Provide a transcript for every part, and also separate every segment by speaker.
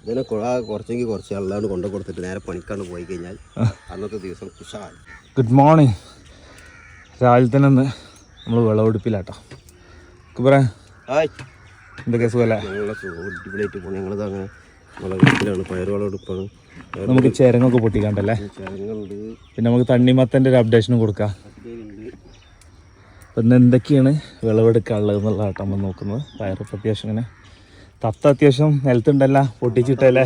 Speaker 1: ഇതിനെ കുറച്ചെങ്കിൽ കുറച്ച് അല്ലാണ്ട് കൊണ്ടു കൊടുത്തിട്ട് നേരെ പണിക്കാണ്ട് പോയി കഴിഞ്ഞാൽ അന്നത്തെ ദിവസം കുഷായി.
Speaker 2: Good morning. രാവിലെ തന്നെ നമ്മൾ വിളവെടുപ്പിലാട്ടോ. പറയാ എന്തൊക്കെ സുഖമല്ലേ?
Speaker 1: ഞങ്ങളെ അടിപൊളിയായിട്ട് പോകും. ഞങ്ങളത് അങ്ങനെ വിളവെടുപ്പിലാണ്, പയർ വിളവെടുപ്പാണ്.
Speaker 2: നമുക്ക് ചിരങ്ങൊക്കെ പൊട്ടിക്കാണ്ടല്ലേ?
Speaker 1: ചിരങ്ങുണ്ട്.
Speaker 2: പിന്നെ നമുക്ക് തണ്ണിമത്തൻ്റെ ഒരു അപ്ഡേഷനും കൊടുക്കാം. അപ്പം ഇന്ന് എന്തൊക്കെയാണ് വിളവെടുക്കാനുള്ളത് എന്നുള്ളതാട്ടോ നമ്മൾ നോക്കുന്നത്. പയറൊക്കെ അത്യാവശ്യം ഇങ്ങനെ തത്ത അത്യാവശ്യം നിലത്തുണ്ടല്ല, പൊട്ടിച്ചിട്ടല്ലേ?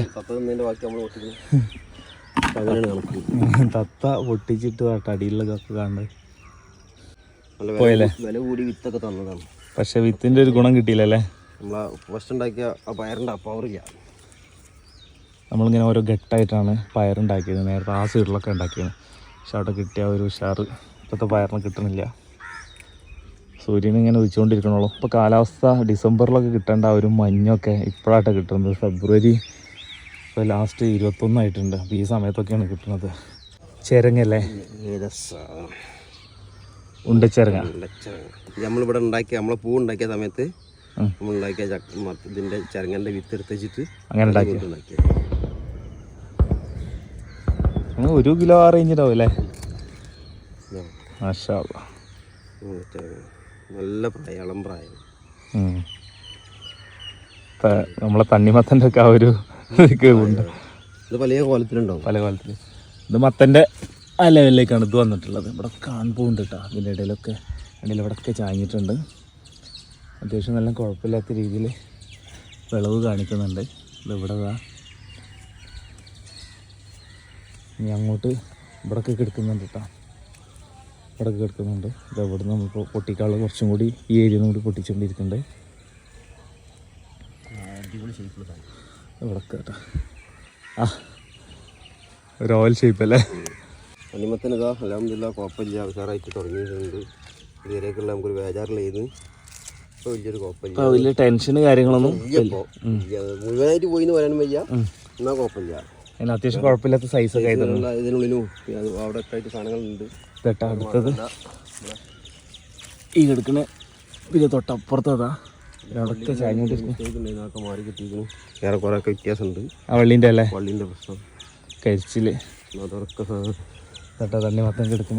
Speaker 2: തത്ത പൊട്ടിച്ചിട്ട് കേട്ടോ അടിയിലൊക്കെ കാണുന്നത് പോയല്ലേ.
Speaker 1: വില കൂടി വിത്തൊക്കെ തന്നതാണ്,
Speaker 2: പക്ഷെ വിത്തിൻ്റെ ഒരു ഗുണം കിട്ടിയില്ലല്ലേ?
Speaker 1: നമ്മളെ ഫസ്റ്റ് ഉണ്ടാക്കിയ ആ പയറിൻ്റെ പവറില്ല.
Speaker 2: നമ്മളിങ്ങനെ ഓരോ ഘട്ടമായിട്ടാണ് പയറുണ്ടാക്കിയത്. നേരത്തെ ആ സൈഡിലൊക്കെ ഉണ്ടാക്കിയത്, പക്ഷെ അവിടെ കിട്ടിയ ഒരു ഉഷാറ് ഇപ്പോഴത്തെ പയറിന് കിട്ടുന്നില്ല. സൂര്യൻ ഇങ്ങനെ ഉദിച്ചുകൊണ്ടിരിക്കണുള്ളൂ. ഇപ്പോൾ കാലാവസ്ഥ ഡിസംബറിലൊക്കെ കിട്ടേണ്ട ആ ഒരു മഞ്ഞൊക്കെ ഇപ്പോഴാട്ടോ കിട്ടുന്നത്. ഫെബ്രുവരി ഇപ്പോൾ ലാസ്റ്റ് 21 ആയിട്ടുണ്ട്. അപ്പോൾ ഈ സമയത്തൊക്കെയാണ് കിട്ടുന്നത്. ചിരങ്ങല്ലേ? ഉണ്ടച്ചിരങ്ങ.
Speaker 1: നമ്മളിവിടെ ഉണ്ടാക്കിയ നമ്മളെ പൂ ഉണ്ടാക്കിയ സമയത്ത് നമ്മളുണ്ടാക്കിയ ഇതിൻ്റെ ചിരങ്ങൻ്റെ വിത്ത് എടുത്തിട്ട്
Speaker 2: അങ്ങനെ ഉണ്ടാക്കിയ 1 കിലോ ആ റേഞ്ചിലാവും അല്ലേ? മാഷാ അല്ലാ.
Speaker 1: നല്ല പ്രായം, ഇളം പ്രായം.
Speaker 2: നമ്മളെ തണ്ണിമത്തൻ്റെ ഒക്കെ ആ ഒരു ഉണ്ട്.
Speaker 1: ഇത് പല കോലത്തിലുണ്ടാവും, പല കോലത്തിൽ.
Speaker 2: ഇത് മത്തൻ്റെ ആ ലെവലിലേക്കാണ് ഇത് വന്നിട്ടുള്ളത്. ഇവിടെ കാണുമ്പോണ്ട് കേട്ടോ. ഇതിൻ്റെ ഇടയിലൊക്കെ ഇവിടെയൊക്കെ ചാഞ്ഞിട്ടുണ്ട്. അത്യാവശ്യം നല്ല കുഴപ്പമില്ലാത്ത രീതിയിൽ വിളവ് കാണിക്കുന്നുണ്ട്. ഇതിവിടെ ഇനി അങ്ങോട്ട് ഇവിടെയൊക്കെ കിടക്കുന്നുണ്ട് കേട്ടോ. ഇവിടെയൊക്കെ കിടക്കുന്നുണ്ട്. ഇത് ഇവിടെ നിന്ന് നമ്മളിപ്പോൾ പൊട്ടിക്കാനുള്ള കുറച്ചും കൂടി ഈ ഏരിയയിൽ നിന്ന് കൂടി പൊട്ടിച്ചുകൊണ്ടിരിക്കുന്നുണ്ട്. ഇവിടെയൊക്കെ കേട്ടോ ആ ഒരു ഓയിൽ ഷേപ്പ് അല്ലേ?
Speaker 1: തണ്ണിമത്തന് ഇതാ അൽഹംദുലില്ലാ കുഴപ്പമില്ല, ഉഷാറായിട്ട് തുടങ്ങിയിട്ടുണ്ട്. ഇതുവരെയൊക്കെയുള്ള നമുക്കൊരു ബേജാറിലായിരുന്നു. ഇപ്പോൾ വലിയൊരു കുഴപ്പമില്ല,
Speaker 2: വലിയ ടെൻഷന് കാര്യങ്ങളൊന്നും
Speaker 1: മുഴുവനായിട്ട് പോയി എന്ന് പറയാനും വയ്യ. എന്നാൽ കുഴപ്പമില്ല,
Speaker 2: അതിന് അത്യാവശ്യം കുഴപ്പമില്ലാത്ത സൈസൊക്കെ ആയിരുന്നു.
Speaker 1: ഇതിനുള്ളിലും അവിടെ ഒക്കെ ആയിട്ട് സാധനങ്ങളുണ്ട്.
Speaker 2: തൊട്ടാ അടുത്തത് ഈ കിടക്കണ, പിന്നെ തൊട്ടപ്പുറത്തതാ അവിടെയൊക്കെ ചാഞ്ഞോണ്ടിരിക്കും.
Speaker 1: മാറി കിട്ടിയിരിക്കുന്നു. വേറെ കുറേ ഒക്കെ വ്യത്യാസമുണ്ട്.
Speaker 2: ആ വള്ളീൻ്റെ അല്ലേ?
Speaker 1: വള്ളീൻ്റെ പ്രശ്നം,
Speaker 2: കരിച്ചിൽ,
Speaker 1: അതൊക്കെ
Speaker 2: തൊട്ടാ തണ്ണിമത്തൻ കിടക്കണ.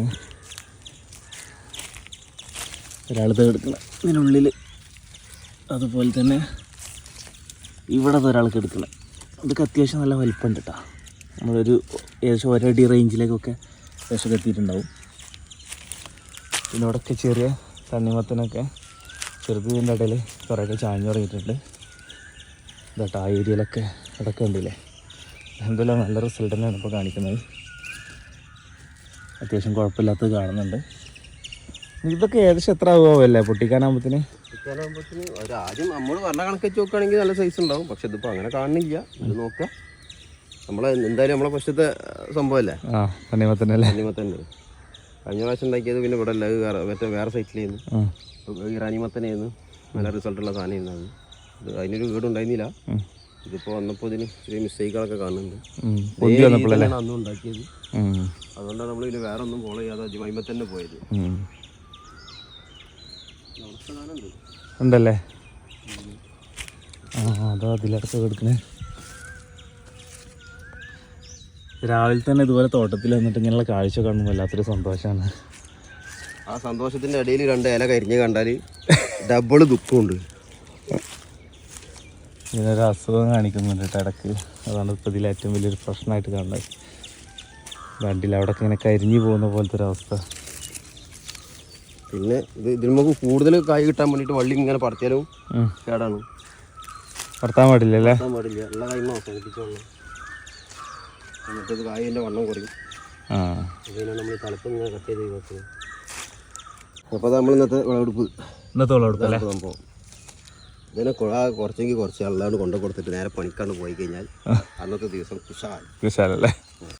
Speaker 2: ഒരാളത് കിടക്കണ ഇതിനുള്ളിൽ. അതുപോലെ തന്നെ ഇവിടെ ഒരാൾക്ക് എടുക്കണ. ഇതൊക്കെ അത്യാവശ്യം നല്ല വലിപ്പമുണ്ട് കേട്ടോ. നമ്മളൊരു ഏകദേശം 1 അടി റേഞ്ചിലേക്കൊക്കെ ഏകദേശം എത്തിയിട്ടുണ്ടാവും. പിന്നെ ഇവിടെയൊക്കെ ചെറിയ തണ്ണിമത്തനൊക്കെ ചെറുതിൻ്റെ ഇടയിൽ കുറേയൊക്കെ ചാഞ്ഞു തുടങ്ങിയിട്ടുണ്ട്. ഇതാട്ടോ ആ ഏരിയയിലൊക്കെ ഇടയ്ക്ക് ഉണ്ടല്ലേ. എന്തെല്ലാം നല്ല റിസൾട്ട് തന്നെയാണ് ഇപ്പോൾ കാണിക്കുന്നത്. അത്യാവശ്യം കുഴപ്പമില്ലാത്തത് കാണുന്നുണ്ട്. ഇതൊക്കെ ഏകദേശം എത്ര ആവുമല്ലേ പൊട്ടിക്കാനാകുമ്പോഴത്തേന്?
Speaker 1: ആദ്യം നമ്മൾ പറഞ്ഞ കണക്ക് വെച്ച് നോക്കുകയാണെങ്കിൽ നല്ല സൈസ് ഉണ്ടാവും. പക്ഷെ ഇതിപ്പോൾ അങ്ങനെ കാണുന്നില്ല. ഇത് നോക്കുക, നമ്മളെ എന്തായാലും നമ്മളെ ഫസ്റ്റത്തെ സംഭവമല്ലേ
Speaker 2: തണ്ണിമത്തനല്ലേ?
Speaker 1: തണ്ണിമത്തൻ്റെ കഴിഞ്ഞ പ്രാവശ്യം ഉണ്ടാക്കിയത് പിന്നെ ഇവിടെ അല്ല, മറ്റേ വേറെ സൈറ്റിലായിരുന്നു. ഇറാനിമത്തനായിരുന്നു. നല്ല റിസൾട്ടുള്ള സാധനമായിരുന്നു അത്. ഇത് അതിനൊരു വീടുണ്ടായിരുന്നില്ല. ഇതിപ്പോൾ വന്നപ്പോൾ ഇതിന് ചെറിയ മിസ്റ്റേക്കുകളൊക്കെ കാണുന്നുണ്ട്. അന്നും ഉണ്ടാക്കിയത്. അതുകൊണ്ടാണ് നമ്മൾ ഇതിന് വേറെ ഒന്നും ഫോളോ ചെയ്യാതെ അജിമ തന്നെ പോയത്.
Speaker 2: ഉണ്ടല്ലേ? അതോ അതിലടക്കം എടുക്കണേ. രാവിലെ തന്നെ ഇതുപോലെ തോട്ടത്തിൽ വന്നിട്ട് ഇങ്ങനെയുള്ള കാഴ്ച കാണുമ്പോൾ വല്ലാത്തൊരു സന്തോഷമാണ്.
Speaker 1: ആ സന്തോഷത്തിൻ്റെ ഇടയിൽ 2 ഇല കരിഞ്ഞ് കണ്ടാൽ ഡബിൾ ദുഃഖമുണ്ട്.
Speaker 2: ഇതിനൊരു അസുഖം കാണിക്കുന്നുണ്ട് കേട്ടോ ഇടയ്ക്ക്. അതാണ് ഇപ്പോൾ ഇതിൽ ഏറ്റവും വലിയൊരു പ്രശ്നമായിട്ട് കാണുന്നത്. വണ്ടിയിൽ അവിടെയൊക്കെ ഇങ്ങനെ കരിഞ്ഞു പോകുന്ന പോലത്തെ ഒരവസ്ഥ.
Speaker 1: പിന്നെ ഇതിൽ നമുക്ക് കൂടുതൽ കായ് കിട്ടാൻ വേണ്ടിയിട്ട് വള്ളി ഇങ്ങനെ പറിച്ചാലും കേടാണ്.
Speaker 2: പറിത്താൻ പാടില്ലല്ലേ?
Speaker 1: പാടില്ല, എല്ലാ കായും അവസാനിപ്പിച്ചോളൂ. എന്നിട്ടത് കായൻ്റെ വണ്ണം കുറയും. അതിനാണ് നമ്മൾ തലപ്പം ഇങ്ങനെ കട്ട് ചെയ്ത് വെക്കുന്നത്. അപ്പോൾ നമ്മൾ ഇന്നത്തെ വിളവെടുപ്പ് സംഭവം. ഇതിനെ കുറച്ചെങ്കിൽ കുറച്ച് അല്ലാണ്ട് കൊണ്ടു കൊടുത്തിട്ട് നേരെ പണിക്കാണ്ട് പോയി കഴിഞ്ഞാൽ അന്നത്തെ ദിവസം കുഷാലല്ലേ?